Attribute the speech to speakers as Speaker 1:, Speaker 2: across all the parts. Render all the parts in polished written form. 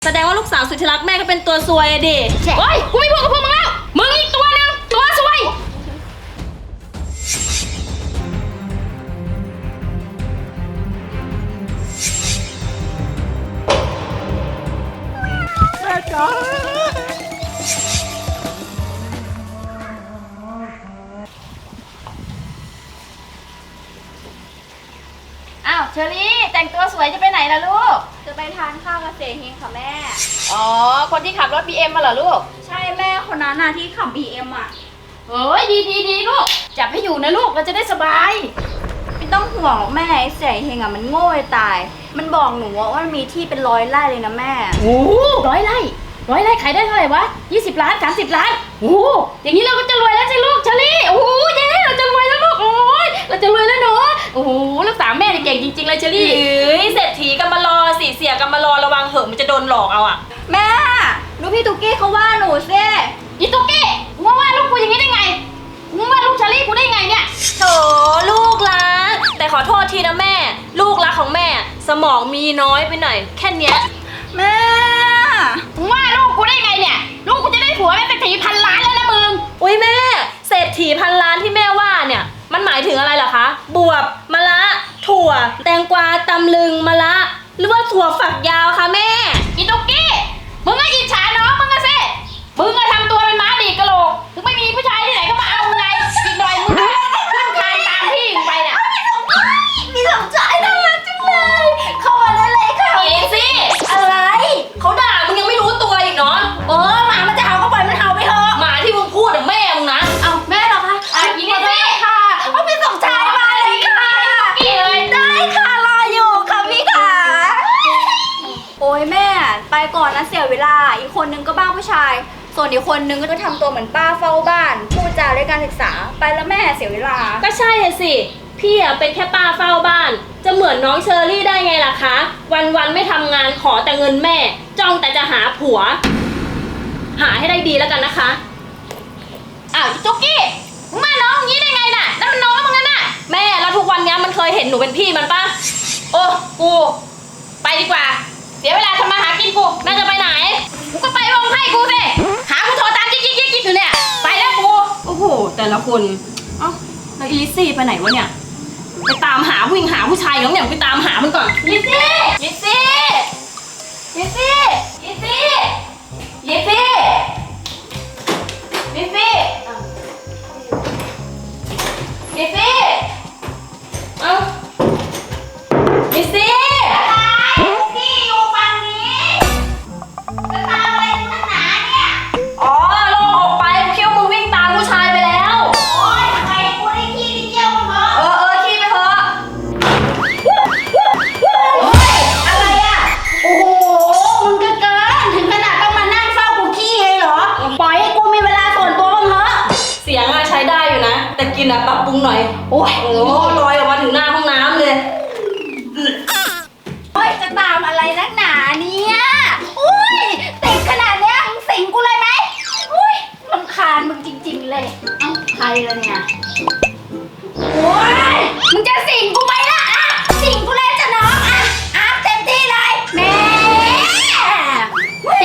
Speaker 1: แสดงว่าลูกสาวสุดที่รักแม่ก็เป็นตัวซวยอะดิเฮ้ยกูไม่พูดกับพวกมึงแล้วมึงอีกตัวนึงตัวซวย
Speaker 2: แม่จ๋า
Speaker 1: อ้าวเชอรี่แต่งตัวสวยจะไปไหนล่ะลูก
Speaker 3: จะไปทานข้าวกับเสเฮงค่ะแม่
Speaker 1: อ๋อคนที่ขับรถ BM มาเหรอลูก
Speaker 3: ใช่แม่คนนั้นน่ะที่ขับ BM อ่ะ
Speaker 1: เฮ้ยดีลูกจับให้อยู่นะลูกเราจะได้สบาย
Speaker 3: ไม่ต้องห่วงหรอกแม่ไอ้เสเฮงอ่ะมันโง่จะตายมันบอกหนูว่ามันมีที่เป็น100 ไร่เลยนะแม่
Speaker 1: โอ้100 ไร่ขายได้เท่าไหร่วะ20 ล้าน30 ล้านโอ้อย่างนี้เราก็จะรวยแล้วใช่ลูกเชอรี่โอ้เย้เราจะรวยแล้วลูกโอ้ยเราจะรวยแล้วเนาะโอ้โหลูกสาวแม่เนี่ยเก่งจริงๆเลยเชอรี่เอ้ยเศรษฐีกันมารอสิเสียกันมารอระวังเหอะมันจะโดนหลอกเอาอะ
Speaker 3: แม่ดูพี่ตุ๊กกี้เขาว่าหนูสิ
Speaker 1: อีตุ๊กกี้มึงว่าลูกกูอย่างนี้ได้ไงมึงว่าลูกเชอรี่กูได้ไงเนี่ยโถลูกรักแต่ขอโทษทีนะแม่ลูกรักของแม่สมองมีน้อยไปหน่อยแค่เนี้ย
Speaker 3: แม่
Speaker 1: มึงว่าลูกกูได้ไงเนี่ยลูกกูจะได้ผัวเป็นเศรษฐีพันล้านแล้วนะมึงอุ้ยแม่เศรษฐีพันล้านที่แม่ว่าเนี่ยมันหมายถึงอะไรเหรอคะบวบมะละถั่วแตงกวาตำลึงมะละหรือว่าถั่วฝักยาวคะแม่อีตุ๊กกี้มึงก็อิจฉาน้องมึงอะสิมึงก็ทำตัวเป็นม้าดีกะโหลกถึงไม่มีผู้ชายที่ไหนก็มาเอาไงอีกหน่อยมึงก็ขึ้นคานตามพี่มึงไปน่ะ
Speaker 3: มีสมใจน่ารักจังเลยเข้ามาได้เลยค่ะ
Speaker 1: อีสิ
Speaker 3: อะไร
Speaker 1: เขาด่ามึงยังไม่รู้ตัวอีกเนาะ
Speaker 3: หมามันจะเห่าก็ปล่อยมันเห่าไปเถอะ
Speaker 1: หมาที่มึงพูดอะแม่มึงนะ
Speaker 3: เอาแม่เหรอคะ
Speaker 1: ยิงไอ้สิ
Speaker 3: ค่ะเอาพี่สมชายมาเลยค่ะ
Speaker 1: กี่เลย
Speaker 3: ได้ค่ะรออยู่ค่ะพี่ค่ะโอ้ยแม่ไปก่อนนะเสียเวลาอีกคนนึงก็บ้าผู้ชาย ส่วนอีกคนนึงก็จะทำตัวเหมือนป้าเฝ้าบ้านพูดจาไร้การศึกษาไปแล้วแม่เสียเวลา
Speaker 1: ก็ใช่อะสิพี่อะเป็นแค่ป้าเฝ้าบ้าน จะเหมือนน้องเชอรี่ได้ไงล่ะคะ วันๆไม่ทำงานขอแต่เงินแม่ จ้องแต่จะหาผัว หาให้ได้ดีแล้วกันนะคะอ้าวจุกกี้มึงมาน้องอย่างนี้ได้ไงน่ะนั่นมันน้องมึงนั่นน่ะแม่แล้วทุกวันนี้มันเคยเห็นหนูเป็นพี่มันปะโอ้กูไปดีกว่าเสียเวลาทำมาหากินกูแม่จะไปไหนกูก็ไปวงให้กูสิหากูโทรตามจิ๊กอยู่เนี่ยไปแล้วกูโอ้โหแต่ละคนเอ้าแล้วอีลิซซี่ไปไหนวะเนี่ยไปตามหาวิ่งหาผู้ชายอย่างเนี่ยไปตามหามันก่อนลิซซี่ลิซซี่ลิซซี่ลิซซี่ลิซซี่ลิซซี่ลิซซี่เอ้าลิซซี่
Speaker 3: พี่อยู่ฝั่งนี้จะตามอะไรนักหนาเนี่ย
Speaker 1: อ๋อโล่งออกไปกูคิดว่ามึงวิ่งตามผู้ชายไปแล้ว
Speaker 3: โอ๊ยทำไมกูได้ขี้ที่เจียวมาเหรอ
Speaker 1: ขี้ไปเถอะ
Speaker 3: โอ๊ยอะไรอ่ะโอ้โหมึงก็เกินถึงขนาดต้องมานั่งเฝ้ากูขี้เลยเหรอปล่อยให้กูมีเวลาส่วนตัวบ้างเถอะ
Speaker 1: เสียงอะใช้ได้อยู่นะ แต่กินอะปรับปรุงหน่อย
Speaker 3: โอ้ย
Speaker 1: โอ้ลอยออกมาถึงหน้าห้องน้ำเลย
Speaker 3: โอ๊ยจะตามอะไรนักหนาเนี่ยอุ้ยติดขนาดเนี้ยมึงสิงกูเลยไหมอุ้ยรำคาญมึงจริงๆเลยเอ้าใครละเนี่ยโอ๊ยมึงจะสิงกูไหมล่ะอ่ะสิงกูเลยจะน้องอ่ะเต็มที่เลยแม่เฮ้ย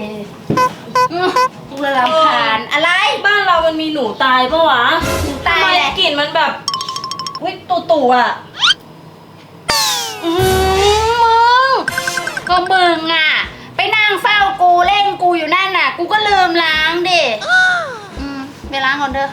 Speaker 3: กูเลยรำคาญอะไร
Speaker 1: บ้านเรามันมีหนูตายปะวะ
Speaker 3: หนูตาย
Speaker 1: ทำไม
Speaker 3: แหละ
Speaker 1: กลิ่นมันแบบวิตู่ๆอะมึง
Speaker 3: ก็มึงอ่ะ ไปนั่งเฝ้ากูเล่นกูอยู่นั่นน่ะ กูก็ลืมล้างดิไปล้างก่อนเถอะ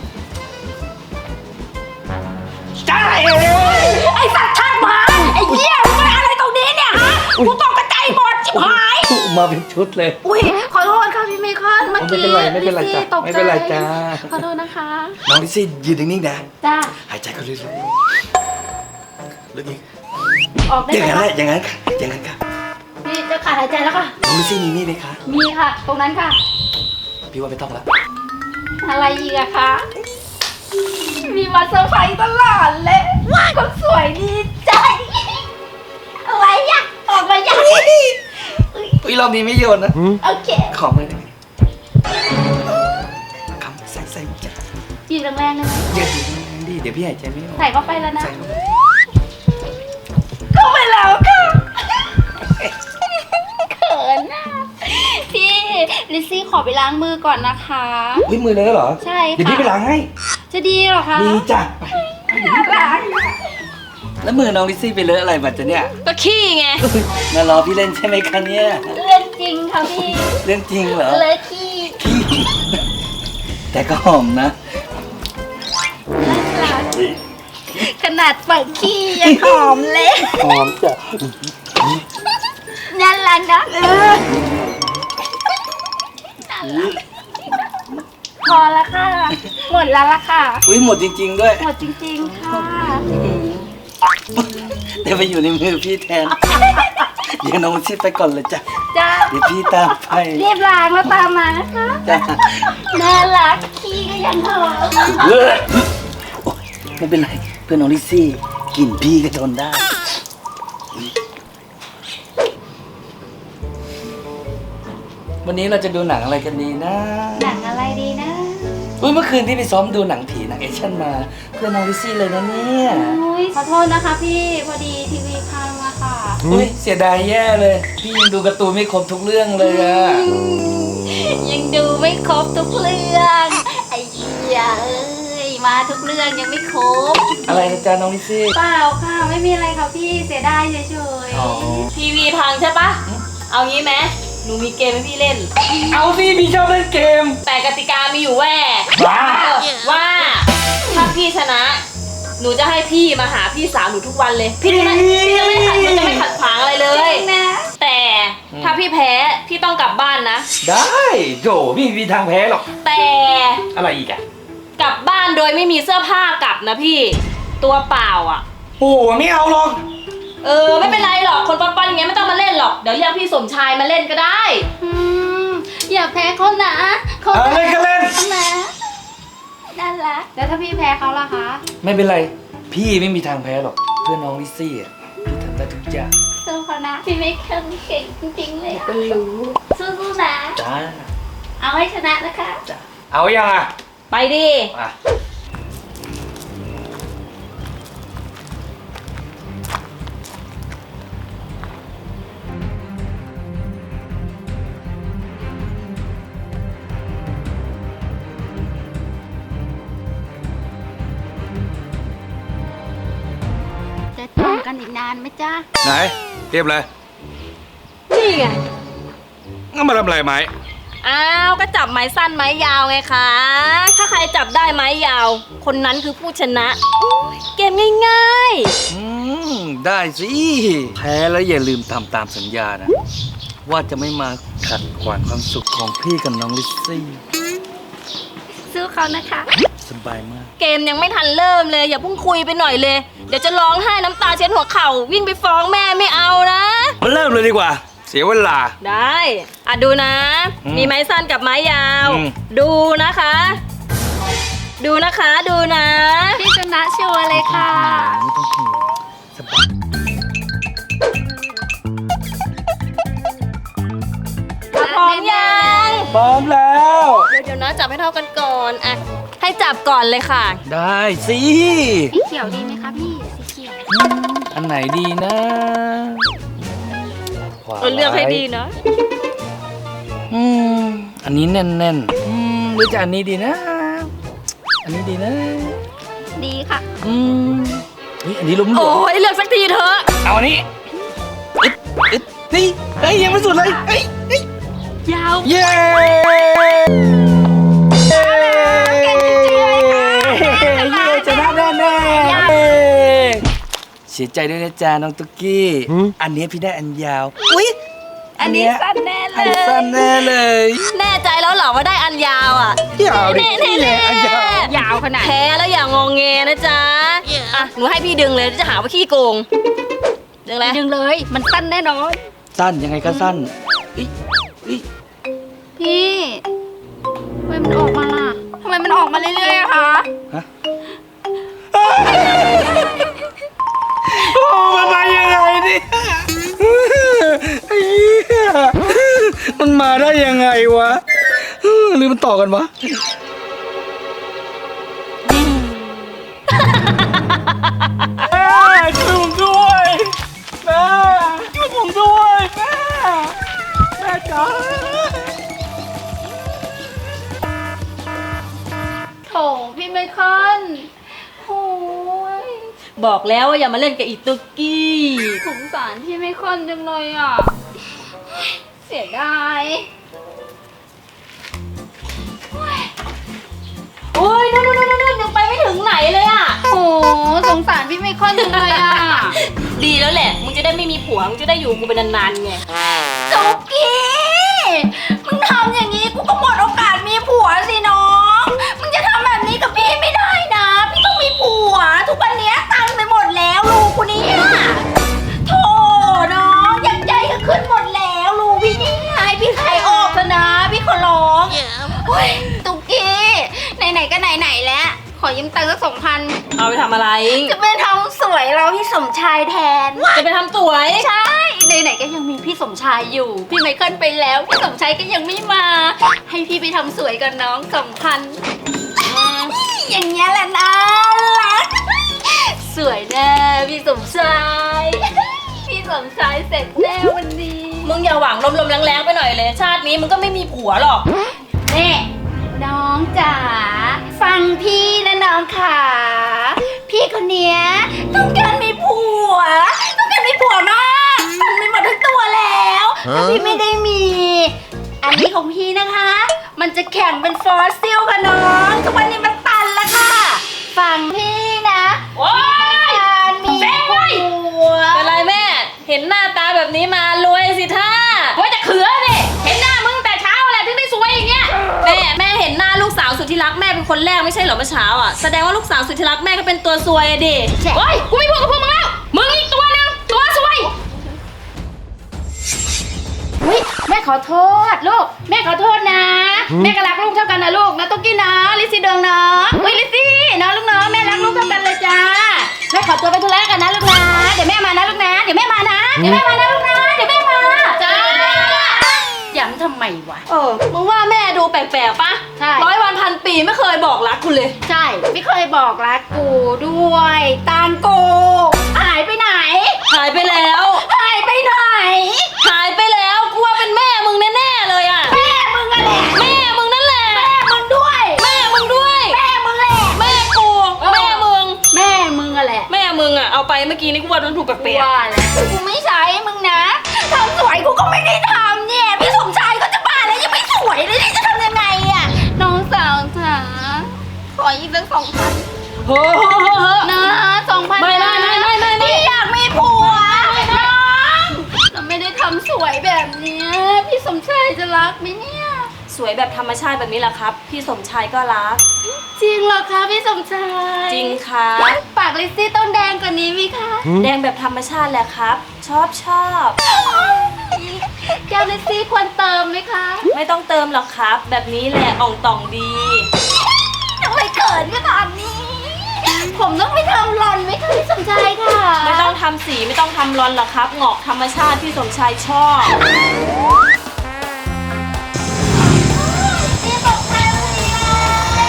Speaker 2: จ้าเอ๋
Speaker 3: ไอ้สัตว์ชาติหมาไอ้เหี้ยมึงมาอะไรตรงนี้เนี่ยฮะกูตกกระจายหมดจิบหาย
Speaker 2: มาเป็นชุดเลย
Speaker 3: อุ้ยขอโทษค่ะพี่เมคอนเมื่อกี้
Speaker 2: ไม่เป็นไร
Speaker 3: ลิซซี่
Speaker 2: จ้ะ
Speaker 3: ตกใจ
Speaker 2: ไม่เป็นไรจ้า
Speaker 3: ขอโทษนะคะ
Speaker 2: น้องลิซซี่ยืนนิ่งๆนะ
Speaker 3: จ้า
Speaker 2: หายใจเข้าลึกๆลึกอีก
Speaker 3: ออกได้
Speaker 2: อย่าง
Speaker 3: ไหม
Speaker 2: นั้นแห
Speaker 3: คะ
Speaker 2: ละอย่างนั้นค่ะอย่างนั้นค่ะ
Speaker 3: พี่จะขาดหายใจแล้วค่ะ
Speaker 2: น้องลิซซี่มีนี่ไหมคะ
Speaker 3: มีค่ะ ตรงนั้นค่ะ
Speaker 2: พี่ว่าไม่ต้องละ
Speaker 3: อะไรอีกอะคะ มีมาเซอร์ไพรส์ตลอดเลยคนสวยดีใจ อะไรอะออกมาอย่าง
Speaker 2: อุ้ยรอบนี้ไม่โยนนะ
Speaker 3: โอเค
Speaker 2: ขอมือได้ไหมคำใส่จ้ะ
Speaker 3: จีบแรงๆได้ไหม
Speaker 2: เยอะดีเดี๋ยวพี่หายใจไม่ออก
Speaker 3: ใส่เข้าไปแล้วนะ
Speaker 2: ใส่เข้าไป
Speaker 3: เข้าไปแล้วค่ะ เขินอะลิซซี่ขอไปล้างมือก่อนนะคะ
Speaker 2: เฮ้ยมือเลยเหรอ
Speaker 3: ใช่ค่ะ
Speaker 2: เดี๋ยวพี่ไปล้างให้
Speaker 3: จะดีเหรอคะ
Speaker 2: ดีจ้ะไป
Speaker 3: น่ารัก
Speaker 2: แล้วมือน้องลิซซี่ไปเลอะอะไรมาจ๊ะเนี่ย
Speaker 1: ก็ขี้ไง
Speaker 2: มารอพี่เล่นใช่ไหมคะเนี่ย
Speaker 3: เรื่องจริงค่ะพี่
Speaker 2: เรื่องจริงเหรอ
Speaker 3: เลยขี้
Speaker 2: แต่ก็หอมนะ
Speaker 3: น่ารักขนาดเปิดขี้ยังหอมเลย
Speaker 2: หอมจ้ะ
Speaker 3: น่ารักนะพอแล้วค่ะ หมดแล้วล่ะค่ะ
Speaker 2: อุ้ยหมดจริง ๆ ด้วย
Speaker 3: หมดจริงๆค่ะ
Speaker 2: แต่ไปอยู่ในมือพี่แทน เดี๋ยวน้องลิซซี่ไปก่อนเลยจ้ะ
Speaker 3: จ้า
Speaker 2: เดี๋ยวพี่ตามไป
Speaker 3: รีบล้างแล้วตามมานะคะ
Speaker 2: จ้ะ
Speaker 3: น่ารักขี้ก็ยังหอม
Speaker 2: เฮ้ยโอ๊ยไม่เป็นไรเพื่อนน้องลิซซี่กลิ่นพี่ก็ทนได้ วันนี้เราจะดูหนังอะไรกันดีนะ
Speaker 3: หนังอะไรดีนะ
Speaker 2: อุ้ยเมื่อคืนที่ไปซ้อมดูหนังผีหนังแอคชั่นมา เพื่อนน้องลิซซี่เลยนะเนี่ย
Speaker 3: อุ้ยขอโทษนะคะพี่พอดีทีวีพังอะค่ะ
Speaker 2: อุ้ยเสียดายแย่เลย พี่ยังดูการ์ตูนไม่ครบทุกเรื่องเลยอะ
Speaker 3: ยังดูไม่ครบทุกเรื่องไอ้เหี้ยเอ้ยมาทุกเรื่องยังไม่ครบ
Speaker 2: อะไรนะจ๊ะน้องลิซซี่
Speaker 3: เปล่าค่ะไม่มีอะไรค่ะพี่เสียดายเฉย
Speaker 2: อ๋อ
Speaker 1: ทีวีพังใช่ปะเอางี้ไหมหนูมีเกมให้พี่เล่น
Speaker 2: เอาสิพี่ชอบเล่นเกม
Speaker 1: แต่กติกามีอยู่
Speaker 2: ว
Speaker 1: แว่
Speaker 2: า
Speaker 1: ว่าถ้าพี่ชนะ หนูจะให้พี่มาหาพี่สาวหนูทุกวันเลย พี่จะไม่ขัดขวางอะไรเล
Speaker 3: ๆจ
Speaker 1: ย
Speaker 3: ริงนะ
Speaker 1: แต่ถ้าพี่แพ้พี่ต้องกลับบ้านนะ
Speaker 2: ได้โจพี่มีทางแพ้หรอก
Speaker 1: แต่
Speaker 2: อะไรอีกอะ
Speaker 1: กลับบ้านโดยไม่มีเสื้อผ้ากลับนะพี่ตัวเปล่าอ่ะ
Speaker 2: โอ้ไม่เอาหรอก
Speaker 1: ไม่เป็นไรหรอกคนปั้นๆอย่างเงี้ยไม่ต้องมาเล่นหรอกเดี๋ยวเรียกพี่สมชายมาเล่นก็ได้
Speaker 3: อืมอย่าแพ้เขานะเขา
Speaker 2: เอาเล่นก็เล่น
Speaker 3: นะน่ารักแล้วถ้าพี่แพ้เขาล่ะคะ
Speaker 2: ไม่เป็นไร พี่ไม่มีทางแพ้หรอก เพื่อนน้องลิซซี่อ่ะ พี่ทำได้ทุกอย่าง
Speaker 3: สู้เขานะพี่ไม่เคยเก่งจริงๆเลยก็รู้สู้ๆนะ
Speaker 2: จ้า
Speaker 3: เอาให้ชนะนะคะ
Speaker 2: จ้าเอายังอ่ะ
Speaker 1: ไปดิ
Speaker 2: อ่ะ
Speaker 3: จะจองกันอีกนานไหมจ๊ะ
Speaker 4: ไหนเทียบเลย
Speaker 1: นี่ไง
Speaker 4: งั้นมาทำอะไรไหม
Speaker 1: อ้าวก็จับไม้สั้นไม้ยาวไงคะถ้าใครจับได้ไม้ยาว คนนั้นคือผู้ชนะอุ๊ยเกมง่าย
Speaker 2: ได้สิ แพ้แล้วอย่าลืมทำตามสัญญานะ ว่าจะไม่มาขัดขวางความสุขของพี่กับน้องลิซซี่
Speaker 3: สู้เขานะคะ
Speaker 2: สบายมาก
Speaker 1: ๆ เกมยังไม่ทันเริ่มเลยอย่าเพิ่งคุยไปหน่อยเลย เดี๋ยวจะร้องไห้น้ำตาเช็ดหัวเข่าวิ่งไปฟ้องแม่ไม่เอานะ
Speaker 2: มาเริ่มเลยดีกว่า
Speaker 4: เสียเวลา
Speaker 1: ได้ดูนะ
Speaker 2: อืม
Speaker 1: มีไม้สั้นกับไม้ยาว
Speaker 2: อืม
Speaker 1: ดูนะคะ ดูนะคะดูนะ
Speaker 3: พี่ชนะชัวร์เลยค่ะ
Speaker 2: ไม่ต้องห่วงสบาย
Speaker 1: พร้อมยัง
Speaker 2: พร้อมแล้ว
Speaker 1: เดี๋ยวนะจับให้เท่ากันก่อนอ่ะให้จับก่อนเลยค่ะ
Speaker 2: ได้สิ
Speaker 3: สีเขียวดีไหมคะพี่ สีเขียว
Speaker 2: อันไหนดีนะขวา
Speaker 1: เลือกให้ดีนะ
Speaker 2: อืมอันนี้แน่นๆหรือจะอันนี้ดีนะ อันนี้ดีนะ
Speaker 3: ดีค่ะ
Speaker 2: เฮ้ยอันนี้ล้มหล
Speaker 1: โอ้
Speaker 2: วม
Speaker 1: ยเลือกสักทีเถอะ
Speaker 2: เอาอันนี้อึ๊ดอึ๊ดนี่เฮ้ยยังไม่สุดเลยเฮ้ยเฮ้ย
Speaker 1: ยาว
Speaker 2: เย้ชนะแน่แน่เสียใจด้วยนะจ๊ะน้องตุ๊กกี้ อันนี้พี่ได้อันยาว อุ๊ย
Speaker 3: อันนี้สั้นแน่เล
Speaker 2: อัน
Speaker 3: ย
Speaker 2: สั้นแน่เลย
Speaker 1: แน่ใจแล้วเหรอว่าได้อันยาวอ่ะ
Speaker 2: ยาวดิ
Speaker 1: แน่ๆ
Speaker 2: นี่ไงอันยาว
Speaker 3: ยาวขนาด
Speaker 1: แพ้แล้วอย่างงแงนะจ๊ะอ่ะหนูให้พี่ดึงเลยจะหาว่าขี้โกงดึงเลย
Speaker 3: ดึงเลย มันสั้นแน่นอน
Speaker 2: สั้นยังไงก็สั้นอิ๊ยอิ๊ย
Speaker 3: พี่ทำไมมันออกมาล่ะทำไมมันออกมาเรื่อยๆอะคะ
Speaker 2: ฮะโอ้มันมายังไงเนี่ยไอ้เหี้ยมันมาได้ยังไงวะหรือมันต่อกันวะช่วยผมด้วยแม่ช่วยผมด้วยแม่จ๋า
Speaker 3: คอนโอ้ย
Speaker 1: บอกแล้วว่าอย่ามาเล่นกับอีตุกกี้
Speaker 3: สงสารพี่ไม่คอนจังเลยอ่ะ เสียดาย
Speaker 1: โอ้ยนู่นยังไปไม่ถึงไหนเลยอ่ะ
Speaker 3: โอ้สงสารพี่ไม่คอนจังเลยอ่ะ
Speaker 1: ดีแล้วแหละ มึงจะได้ไม่มีผัว มึงจะได้อยู่กูเป็นนานๆไง
Speaker 3: จุกกี้มึงทำอย่างนี้กูก็หมดโอกาสมีผัวสิน้องมึงจะทำแบบนี้กับพี่ไม่ได้นะ พี่ต้องมีผัว ทุกวันนี้ตังค์ไปหมดแล้วลูกกูเนี่ยโธ่น้องอยากใจก็ขึ้นหมดแล้วลูกพี่นี่ให้พี่ขายออกเถอะนะ พี่ขอร้องโอ้ยตุกกี้ไหนๆก็ไหนๆแล้ว ขอยืมตังค์สัก2,000
Speaker 1: เอาไปทำอะไร
Speaker 3: จะไปทำสวยเราพี่สมชายแทน
Speaker 1: จะไปทำสวย
Speaker 3: ใช่ไหนๆก็ยังมีพี่สมชายอยู่ พี่ไมเคิลไปแล้ว พี่สมชายก็ยังไม่มา ให้พี่ไปทำสวยกับน้อง2,000อย่างเงี้ยแหละนะรักสวยแน่พี่สมชาย พี่สมชายเสร็จแน่วันนี้
Speaker 1: มึงอย่าหวังลมๆแรงๆไปหน่อยเลย ชาตินี้มึงก็ไม่มีผัวหรอก
Speaker 3: นี่น้องจ๋าฟังพี่นะน้องค่ะพี่คนเนี้ยต้องการมีผัวต้องการมีผัวมากตันไปหมดทั้งตัวแล้วแต่พี่ไม่ได้มี อันนี้ของพี่นะคะ มันจะแข็งเป็นฟอสซิลค่ะน้องทุกวันนี้มันตันแล้วค่ะฟังพี่นะ
Speaker 1: โอ๊ย
Speaker 3: การมีผัว
Speaker 1: เป็นไรแม่ เห็นหน้าตาแบบนี้มารวยสิท่าว่าจะเขือดิเห็นหน้ามึงแต่เช้าแหละถึงได้สวยอย่างเงี้ย แม่เห็นหน้าลูกสาวสุดที่รักแม่เป็นคนแรกไม่ใช่เหรอเมื่อเช้าอ่ะ แสดงว่าลูกสาวสุดที่รักแม่ก็เป็นตัวซวยอะดิโอ๊ยกูไม่พูดกับพวกมึงแล้ว มึงอีกตัวนึงตัวซวย
Speaker 3: อุ๊ยแม่ขอโทษลูกแม่ขอโทษนะ แม่ก็รักลูกเท่ากันนะลูกนะตุ๊กกี้นะลิซซี่เดิงนะอุ้ยลิซซี่นะลูกเนาะแม่รักลูกเท่ากันเลยจ้าแม่ขอตัวไปธุระกันนะลูกนะเดี๋ยวแม่มานะลูกนะเดี๋ยวแม่มานะเดี๋ยวแม่มานะลูกนะเดี๋ยวแม่มาจ้าย้ำทำไมวะ
Speaker 1: มึงว่าแม่ดูแปลกๆปะ
Speaker 3: ใช่
Speaker 1: 100 วันพันปีไม่เคยบอกรักกูเลย
Speaker 3: ใช่ไม่เคยบอกรักกูด้วยตางกูหายไปไหน
Speaker 1: หายไปแล้ว
Speaker 3: หายไปไหน
Speaker 1: หายไปแล้วกูว่าเป็นแม่มึงแน่ๆเลยอ่ะ
Speaker 3: แม่มึงอะแหละ
Speaker 1: แม่มึงนั่นแหละ
Speaker 3: แม่มึงด้วย
Speaker 1: แม่มึงด้วย
Speaker 3: แม่มึงแหละ
Speaker 1: แม่กูแม่มึง
Speaker 3: แม่มึงอะแหละ
Speaker 1: แม่มึงอ่ะเอาไปเมื่อกี้นี่กูว่าโดนถูกแปลก
Speaker 3: ว่าแล้วกูไม่ใช้มึงนะทำสวยกูก็ไม่ได้ทำเนี่ยพี่สมชายก็จะบ้าแล้วยังไม่สวยเลยนี่จะทำยังไงอะน้องสาวจ๋าขออีกสัก2,000
Speaker 1: ๆเฮ้อ
Speaker 3: นะ2,000
Speaker 1: ไม่
Speaker 3: พี่อยากมีผัวน้องเราไม่ได้ทำสวยแบบเนี้ยพี่สมชายจะรักไหมเนี่ย
Speaker 1: สวยแบบธรรมชาติแบบนี้แหละครับ พี่สมชายก็รัก
Speaker 3: จริงเหรอคะพี่สมชาย
Speaker 1: จริงครับ
Speaker 3: ปากลิซซี่ต้องแดงกว่านี้ไหมคะ
Speaker 1: แดงแบบธรรมชาติแหละครับ ชอบ
Speaker 3: แก้วลิซซี่ควรเติมไหมคะ
Speaker 1: ไม่ต้องเติมหรอกครับ แบบนี้แหละอ่องต่องดี
Speaker 3: ทำไมเขินขนาดนี้ ผมต้องไปทำรอนไหมคะพี่สมชายค่ะ
Speaker 1: ไม่ต้องทำสีไม่ต้องทำรอนหรอกครับงอกธรรมชาติพี่สมชายชอบ
Speaker 3: พี่สมชายพอดีเลย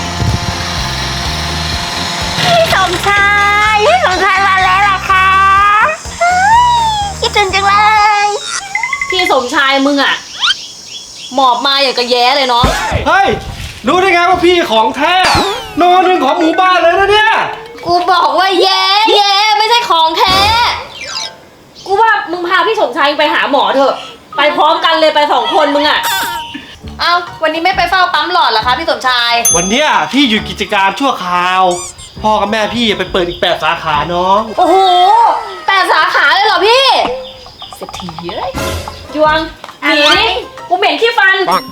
Speaker 3: พี่สมชายมาแล้วเหรอคะคิดถึงจังเลย
Speaker 1: พี่สมชายมึงอ่ะหมอบมาอย่างกระแย้เลยเนาะ
Speaker 2: เฮ้ยรู้ได้ไงว่าพี่ของแท้โนหนึ่งของหมู่บ้านเลยนะเนี่ย
Speaker 1: กูบอกว่าแย้ไม่ใช่ของแท้ กูว่ามึงพาพี่สมชายไปหาหมอเถอะ ไปพร้อมกันเลยไป2 คนมึงอ่ะ เอาวันนี้ไม่ไปเฝ้าปั๊มหลอดเหรอคะพี่สมชาย
Speaker 2: วันเนี้ยพี่หยุดกิจการชั่วคราว พ่อกับแม่พี่ไปเปิดอีก8 สาขาน้อง
Speaker 1: โอ้โห8 สาขาเลยเหรอพี่เศรษฐีเอ้ยยวงหนีดิกูเหม็นขี้ฟัน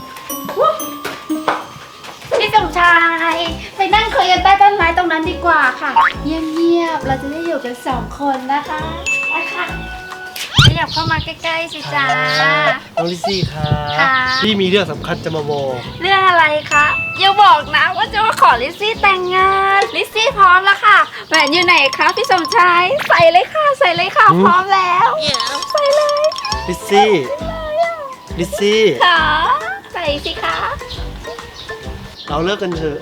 Speaker 3: พี่สมชายไปนั่งคุยกันใต้ต้นไม้ตรงนั้นดีกว่าค่ะ เงียบๆเราจะได้อยู่กัน2 คนนะคะไปค่ะขยับเข้ามาใกล้ๆสิจ้า
Speaker 2: น้องลิซซี่ค่ะ
Speaker 3: ค่ะ
Speaker 2: พี่มีเรื่องสำคัญจะมาบอก
Speaker 3: เรื่องอะไรคะอย่าบอกนะว่าจะมาขอลิซซี่แต่งงานลิซซี่พร้อมแล้วค่ะแหวนอยู่ไหนคะพี่สมชายใส่เลยค่ะใส่เลยค่ะพร้อมแล้วใส่เลย
Speaker 2: ลิซซี่ลิซซี่
Speaker 3: ค่ะใส่สิคะ
Speaker 2: เราเลิกกันเถอะ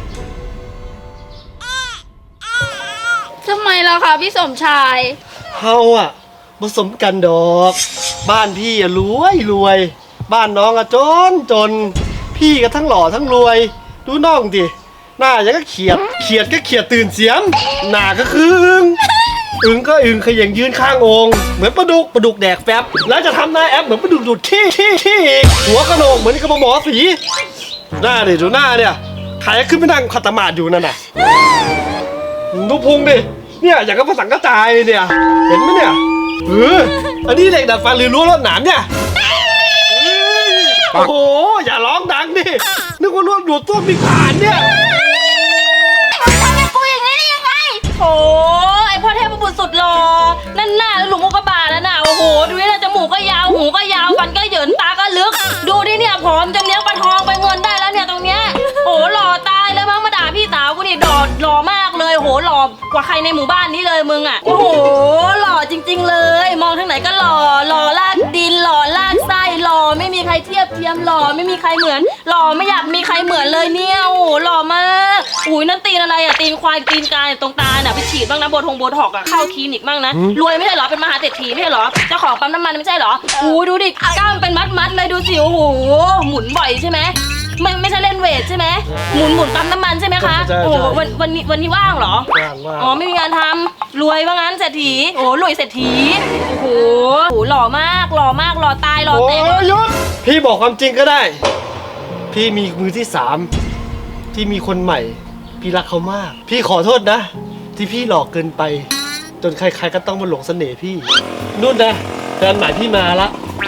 Speaker 3: ทำไมล่ะคะพี่สมชาย
Speaker 2: เฮาอะผสมกันดอก บ้านพี่อะรวย บ้านน้องอะจน พี่ก็ทั้งหล่อทั้งรวย ดูน้องดิ
Speaker 5: หน้ายังก็เขียดก็เขียดตื่นเสียมหน้าก็คืออึ่งก็อึ่งขย่งยืนข้างโองเหมือนปลาดุกแดกแฟบแล้วจะทำหน้าแอปเหมือนปลาดุกดูดขี้อีกหัวกระโหลกเหมือนกระบอกหมอสีหน้าดิดูหน้าเนี่ยใครขึ้นไปนั่งขัดสมาธิอยู่นั่นน่ะดูพุงดิเนี่ยอย่างกับภาษากระจายเลยเนี่ยเห็นไหมเนี่ยอันนี้เหล็กดัดฟันหรือรั้วรวดหนามเนี่ยโอ้โหอย่าร้องดังดินึกว่ารั้วดูดต้วมมีผ่านเนี่ย
Speaker 3: ทำกับกูอย่างนี้ได้ยังไง
Speaker 1: โอ้ไอพ่อเทพบุตรสุดหล่อนั่นหน้าแล้วหลุมอุกกาบาตแล้วน่ะโอ้โหดูนี่นะจมูกก็ยาวหูก็ยาวฟันก็เหยินตาก็ลึก ดูดิเนี่ยผอมจะเลี้ยงปลาทองไปเงินได้แล้วเนี่ยตรงเนี้ยโอ้หล่อตายเลยมั้งมาด่าพี่สาวกูนี่หล่อมากเลยโหหล่อกว่าใครในหมู่บ้านนี้เลยมึงอ่ะโอ้โหหล่อจริง ๆ เลย มองทางไหนก็หล่อลากดินหล่อลากไส้หล่อไม่มีใครเทียบเทียมหล่อไม่มีใครเหมือนหล่อไม่อยากมีใครเหมือนเลยเนี่ยโอ้โหหล่อมากอุ้ยนั่นตีนอะไรอ่ะตีนควายตีนกายตรงตาเนี่ยไปฉีดบ้างนะโบท็อกอ่ะเข้าคลินิกบ้างนะรวยไม่ใช่เหรอเป็นมหาเศรษฐีไม่ใช่เหรอเจ้าของปั๊มน้ำมันไม่ใช่เหรออู้ดูดิกล้ามเป็นมัดเลยดูสิโอ้โหหมุนบ่อยใช่ไหมไม่ใช่เล่นเวทใช่ไหมหมุนปั๊มน้ำมันใช่ไหมคะ
Speaker 5: ใช่
Speaker 1: โอ้โหวันนี้ว่างเหรอ
Speaker 5: ว่าง
Speaker 1: อ๋อไม่มีงานทำรวยว่างั้นเศรษฐีโอ้รวยเศรษฐีโอ้โหหล่อมากหล่อตายหล่อ
Speaker 5: โอ้
Speaker 1: เต็ม
Speaker 5: ยหยุดพี่บอกความจริงก็ได้ พี่มีมือที่สามที่มีคนใหม่ พี่รักเขามาก พี่ขอโทษนะ ที่พี่หลอกเกินไป จนใครๆก็ต้องมาหลงเสน่ห์พี่นู่นนะแฟนใหม่พี่มาละ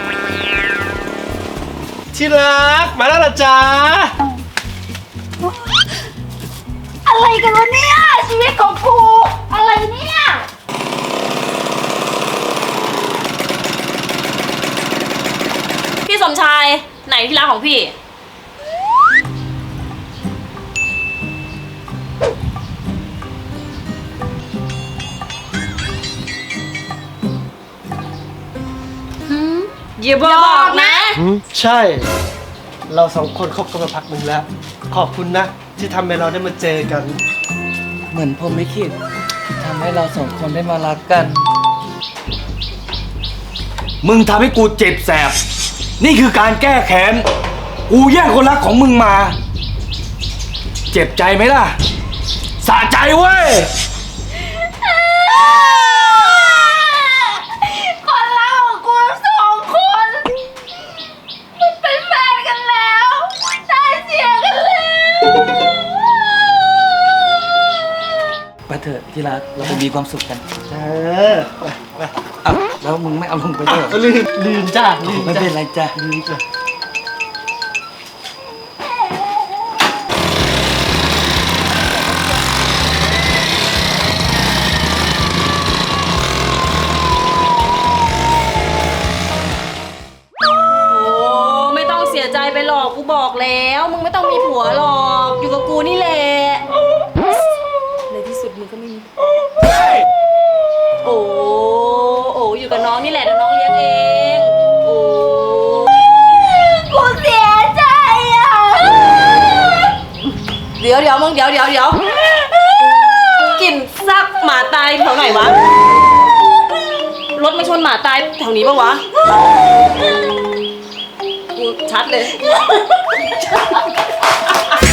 Speaker 5: ที่รักมาแล้วล่ะจ๊ะ
Speaker 3: อะไรกันวะเนี่ยชีวิตของกูอะไรเนี่ย
Speaker 1: พี่สมชายไหนที่รักของพี่อย่าบอกนะ
Speaker 5: ใช่ เราสองคนคบกันมาพักหนึ่งแล้ว ขอบคุณนะ ที่ทำให้เราได้มาเจอกัน
Speaker 2: เหมือนผมไม่คิดที่ทำให้เราสองคนได้มารักกัน มึงทำให้กูเจ็บแสบ นี่คือการแก้แค้น กูแย่งคนรักของมึงมา เจ็บใจไหมล่ะ สะใจเว้ย
Speaker 3: คนรักของกูสองคนมันเป็นแฟนกันแล้วได้เสียกันแล้ว
Speaker 2: ไปเถอะที่รักเราไปมีความสุขกัน
Speaker 5: เออไป
Speaker 2: อ้าวแล้วมึงไม่เอาลงไปด้วยเหรอ
Speaker 5: ลืมจ้าลืม
Speaker 2: ไม่
Speaker 5: จ้า
Speaker 2: เป็นไรจ้ะ
Speaker 5: ลืมจ้า
Speaker 1: โอ้ไม่ต้องเสียใจไปหรอกกูบอกแล้ว มึงไม่ต้องมีผัวหรอกอยู่กับกูนี่แหละในที่สุดมึงก็ไม่มีโอ้อยู่กับน้องนี่แหละเดี๋ยวน้องเลี้ยงเองโอ้
Speaker 3: กูเสียใจอ่ะ
Speaker 1: เดี๋ยวมึงเดี๋ยวกลิ่นซักหมาตายแถวไหนวะรถมาชนหมาตายแถวนี้ปะวะกูชัดเลย